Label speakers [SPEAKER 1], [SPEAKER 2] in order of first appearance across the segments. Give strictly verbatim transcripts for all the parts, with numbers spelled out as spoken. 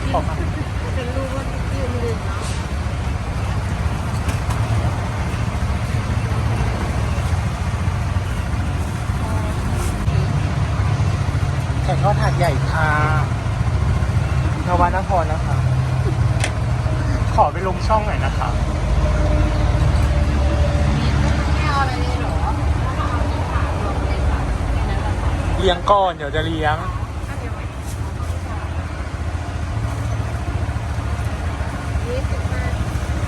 [SPEAKER 1] ขอบคุณเป็นรูปว่ายืมลืมเนาะ
[SPEAKER 2] ไข่ทอดถาดใหญ่ค่ะนวนครนะคะ ขอไปลงช่องหน่อยนะคะ
[SPEAKER 1] ไม่เอาอะไรเลยเหรอเอาที่ขารวมเลยค่ะแค่นั้นแหละค่ะ
[SPEAKER 2] เลี้ยงก่อนเดี๋ยวจะเลี้ยง
[SPEAKER 1] ยี่สิบบาท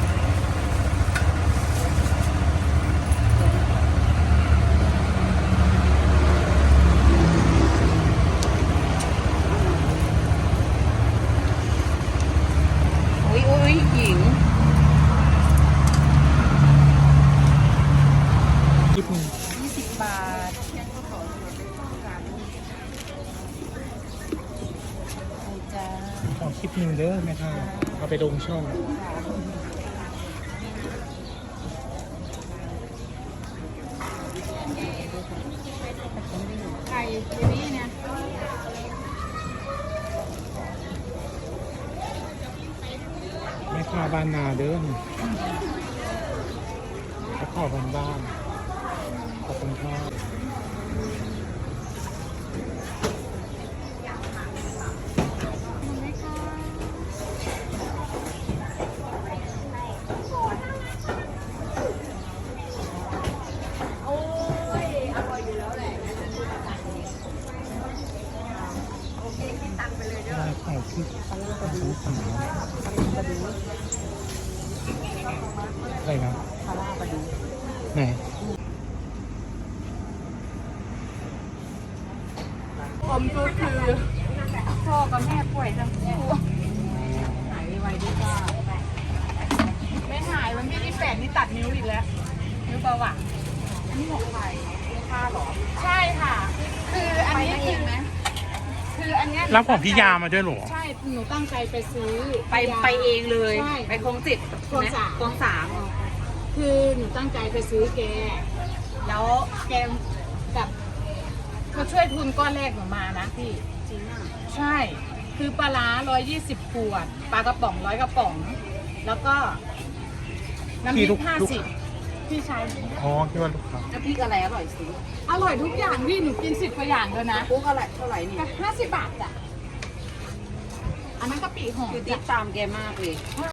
[SPEAKER 1] อุ้ยอุ้ยหญิง
[SPEAKER 2] คลิปนี้
[SPEAKER 1] ยี่สิบบาทโอ้จ้า
[SPEAKER 2] ขอคลิปหนึ่งเด้อแม่ค่ะเอาไปลงช่อง
[SPEAKER 1] ไข่เจนี่เนี่ย
[SPEAKER 2] แม่ค่ะบ้านนาเด้อแล้วขอบ้านบ้านขอบคุณค่ะได้ขอคลิปสองสามอะไรนะ
[SPEAKER 1] คาราบาดู
[SPEAKER 2] ไหน
[SPEAKER 1] ผมก็คือพ่อกับแม่ป่วยทั้งคู่หายไวๆด้วยจ้าไม่หายวันที่ยี่สิบแปดนี่ตัดนิ้วอีกแล้วนิ้วเบาหวานอันนี้ของใครค่าหรอใช่ค่ะ คืออันนี้คือคืออันเนี้ย
[SPEAKER 2] รับของพี่ยามาด้วยเหรอ
[SPEAKER 1] ใช่หนูตั้งใจไปซื้อ
[SPEAKER 3] ไปไปเองเลย
[SPEAKER 1] ใช่
[SPEAKER 3] ไปคลองจิต
[SPEAKER 1] คลองสาม
[SPEAKER 3] คลองสาม
[SPEAKER 1] คือหนูตั้งใจไปซื้อแก แล้วแกแบบเขาช่วยทุนก้อนแรกหนูมานะพี่
[SPEAKER 3] จริงอ่ะ
[SPEAKER 1] ใช่ คือปลาร้าร้อยยี่สิบขวด ปลากระป๋องร้อยกระป๋อง แล้วก็น้ำพริ
[SPEAKER 2] พี่ลู
[SPEAKER 1] ก
[SPEAKER 2] ก
[SPEAKER 1] ห้า
[SPEAKER 2] ลูก
[SPEAKER 1] สิบพี่ชาย
[SPEAKER 2] อ๋อคิดว่าลูกค้า
[SPEAKER 3] น้ำพริกอะไรอร่อยสุด
[SPEAKER 1] อร่อยทุกอย่างพี่หนูกินสิบกว่าอย่างเลยนะ
[SPEAKER 3] ปุ๊กอะไรเท่าไหร่นี่
[SPEAKER 1] ห้าสิบบาทจ้ะ อันนั้นกะปิหอม
[SPEAKER 3] คือติ
[SPEAKER 1] จ้ะ
[SPEAKER 3] ดตามแกมากเลย